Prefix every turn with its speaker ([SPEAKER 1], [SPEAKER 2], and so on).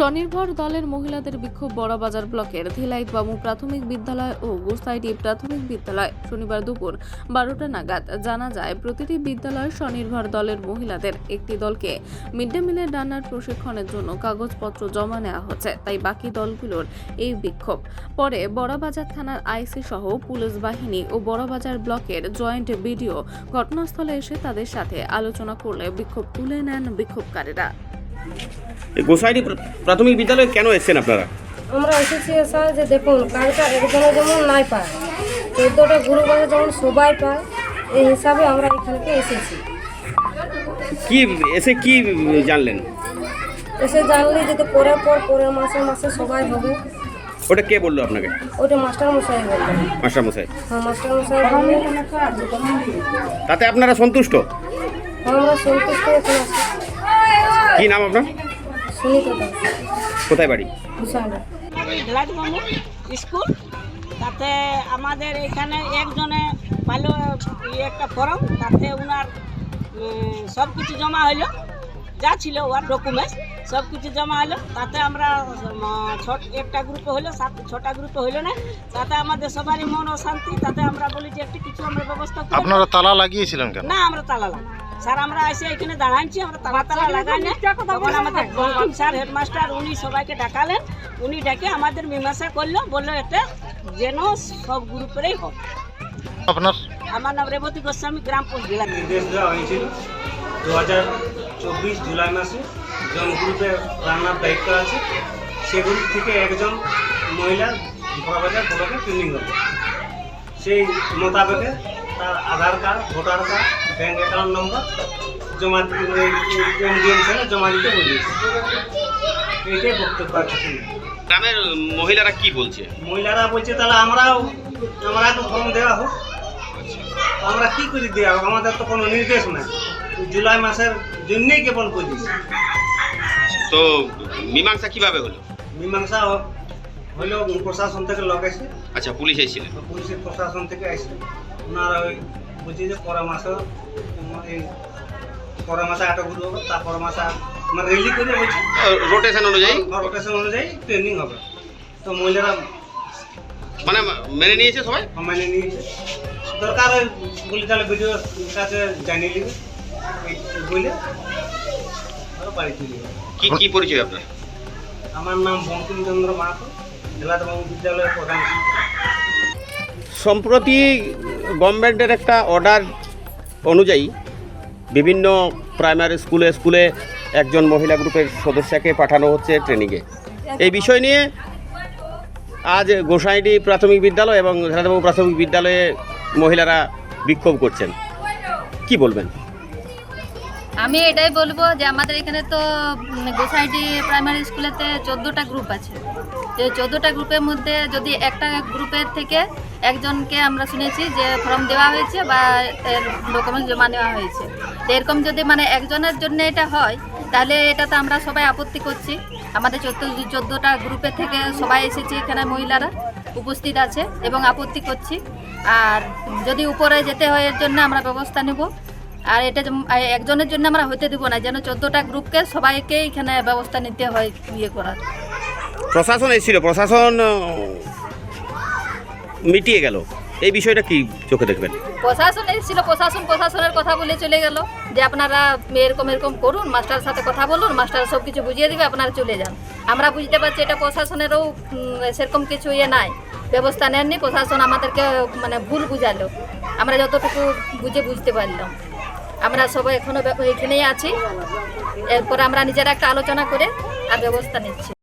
[SPEAKER 1] স্বনির্ভর দলের মহিলাদের বিক্ষোভ বড়বাজার ব্লকের ধেলাইত বামু প্রাথমিক বিদ্যালয় ও গোসাইটি প্রাথমিক বিদ্যালয় শনিবার দুপুর 12টা নাগাদ। জানা যায়, প্রতিটি বিদ্যালয়ের স্বনির্ভর দলের মহিলাদের একটি দলকে মিড ডে মিলের রান্নার প্রশিক্ষণের জন্য কাগজপত্র জমা নেওয়া হচ্ছে, তাই বাকি দলগুলোর এই বিক্ষোভ। পরে বড়বাজার থানার আইসি সহ পুলিশ বাহিনী ও বড়বাজার ব্লকের জয়েন্ট বিডিও ঘটনাস্থলে এসে তাদের সাথে আলোচনা করলে বিক্ষোভ তুলে নেন বিক্ষোভকারীরা।
[SPEAKER 2] গোসাইটি প্রাথমিক বিদ্যালয়ে কেন এসেছেন আপনারা?
[SPEAKER 3] আমরা এসেছি স্যার যে দেখুন, কাজটা একজনে যেমন নাই পায়, 14টা গ্রুপ আছে যেমন সবাই পায়, এই হিসাবে আমরা এখানকে এসেছি।
[SPEAKER 2] কি জানলেন?
[SPEAKER 3] এসে জানলে যদি পরের মাসে সবাই হবে।
[SPEAKER 2] ওটা কে বললো আপনাকে?
[SPEAKER 3] ওইটা মাস্টার মশাই বললেন।
[SPEAKER 2] মাস্টার মশাই?
[SPEAKER 3] হ্যাঁ, মাস্টার মশাই বললেন।
[SPEAKER 2] তাতে আপনারা সন্তুষ্ট?
[SPEAKER 3] হ্যাঁ, আমরা সন্তুষ্ট এখন আছি।
[SPEAKER 2] কি নাম আপনার?
[SPEAKER 3] সুনীতা দাস।
[SPEAKER 2] কোথায় বাড়ি?
[SPEAKER 4] ধেলাইতবামু স্কুল। তাতে আমাদের এখানে একজনে ভালো একটা ফর্ম, তাতে ওনার সব কিছু জমা হলো, যা ছিল ওর ডকুমেন্টস সব কিছু জমা হলো। তাতে আমরা একটা গ্রুপে হলো, 6টা গ্রুপে হইলো না, তাতে আমাদের সবারই মন অশান্তি। তাতে আমরা বলি যে একটু কিছু আমরা ব্যবস্থা করি।
[SPEAKER 5] আপনারা তালা লাগিয়েছিলেন কেন?
[SPEAKER 4] না, আমরা তালা লাগাই স্যার, আমরা এসে এখানে দাঁড়াচ্ছি, আমরা তালা লাগাই না। তখন আমাদের বঙ্কিম স্যার হেডমাস্টার উনি সবাইকে ডাকালেন, উনি ডেকে আমাদের মীমাংসা করলো, বললো এটা যেন সব গ্রুপেরই হোক।
[SPEAKER 5] আপনার?
[SPEAKER 4] আমার নাম রেবতী গোস্বামী, গ্রাম পোস্ট জেলা।
[SPEAKER 6] নির্দেশ দেওয়া হয়েছিল 2024 জুলাই মাসে জন গ্রুপে রান্নার দায়িত্ব আছে, সেগুলি থেকে একজন মহিলা বড়বাজার ব্লকে ট্রেনিং হবে। সেই মোতাবেকে তার Aadhaar card, voter card, bank account number জমা জমা দিতে বলিয়েছে। এইটাই বক্তব্য আছে।
[SPEAKER 2] গ্রামের মহিলারা কি বলছে?
[SPEAKER 6] মহিলারা বলছে তাহলে আমরা তো ফর্ম দেওয়া হোক। আমরা কি করে দেওয়া হোক, আমাদের তো কোনো নির্দেশ নাই, জুলাই মাসের জন্যই কেবল বলি।
[SPEAKER 2] তো মীমাংসা কিভাবে হলো?
[SPEAKER 6] মীমাংসা হলো প্রশাসন থেকে লোক আসে।
[SPEAKER 2] আচ্ছা, পুলিশ এসেছিলেন?
[SPEAKER 6] পুলিশের প্রশাসন থেকে আসে। ওনারা ওই বলছে যে পরের মাসে 8 গ্রুপ হবে, তারপর মাসে মানে রেলি করে বলছে
[SPEAKER 2] রোটেশন
[SPEAKER 6] অনুযায়ী ট্রেনিং হবে। তো মহিলারা
[SPEAKER 2] মানে মেনে নিয়েছে, সবাই
[SPEAKER 6] মেনে নিয়েছে। দরকার বলি তাহলে ভিডিও কাছে জানিয়ে নেবে বলে আরও বাড়ি চলে যাবে।
[SPEAKER 2] কি পরিচয় আপনার?
[SPEAKER 6] আমার নাম বঙ্কিমচন্দ্র মাহাতো, ধেলাইতবামু বিদ্যালয়ের প্রধান।
[SPEAKER 2] সম্প্রতি গভর্নমেন্টের একটা অর্ডার অনুযায়ী বিভিন্ন প্রাইমারি স্কুলে একজন মহিলা গ্রুপের সদস্যকে পাঠানো হচ্ছে ট্রেনিংয়ে। এই বিষয় নিয়ে আজ গোসাইটি প্রাথমিক বিদ্যালয় এবং ধেলাইতবামু প্রাথমিক বিদ্যালয়ে মহিলারা বিক্ষোভ করছেন, কি বলবেন?
[SPEAKER 7] আমি এটাই বলবো যে আমাদের এখানে তো গোসাইটি প্রাইমারি স্কুলেতে 14টা গ্রুপ আছে। এই 14টা গ্রুপের মধ্যে যদি একটা গ্রুপের থেকে একজনকে আমরা শুনেছি যে ফর্ম দেওয়া হয়েছে বা ডকুমেন্ট জমা নেওয়া হয়েছে, তো এরকম যদি মানে একজনের জন্য এটা হয়, তাহলে এটা তো আমরা সবাই আপত্তি করছি। আমাদের 14টা গ্রুপের থেকে সবাই এসেছি, এখানে মহিলারা উপস্থিত আছে এবং আপত্তি করছি। আর যদি উপরে যেতে হয় এর জন্য আমরা ব্যবস্থা নেব। আর এটা একজনের জন্য আমরা হতে দেবো না, যেন 14টা গ্রুপকে সবাইকে এখানে ব্যবস্থা নিতে হয় ইয়ে করার।
[SPEAKER 2] প্রশাসন এসেছিল, প্রশাসন মিটিয়ে গেল, এই বিষয়টা কি চোখে দেখবেন?
[SPEAKER 7] প্রশাসন এসেছিল, প্রশাসনের কথা বলে চলে গেল যে আপনারা এরকম করুন, মাস্টারের সাথে কথা বলুন, মাস্টার সব কিছু বুঝিয়ে দেবে, আপনারা চলে যান। আমরা বুঝতে পারছি এটা প্রশাসনেরও সেরকম কিছু নাই, ব্যবস্থা নেননি। প্রশাসন আমাদেরকে মানে ভুল বুঝালো, আমরা যতটুকু বুঝতে পারলাম। আমরা সবাই এখনো এখানেই আছি, এরপর আমরা নিজেরা একটা আলোচনা করে আর ব্যবস্থা নিচ্ছি।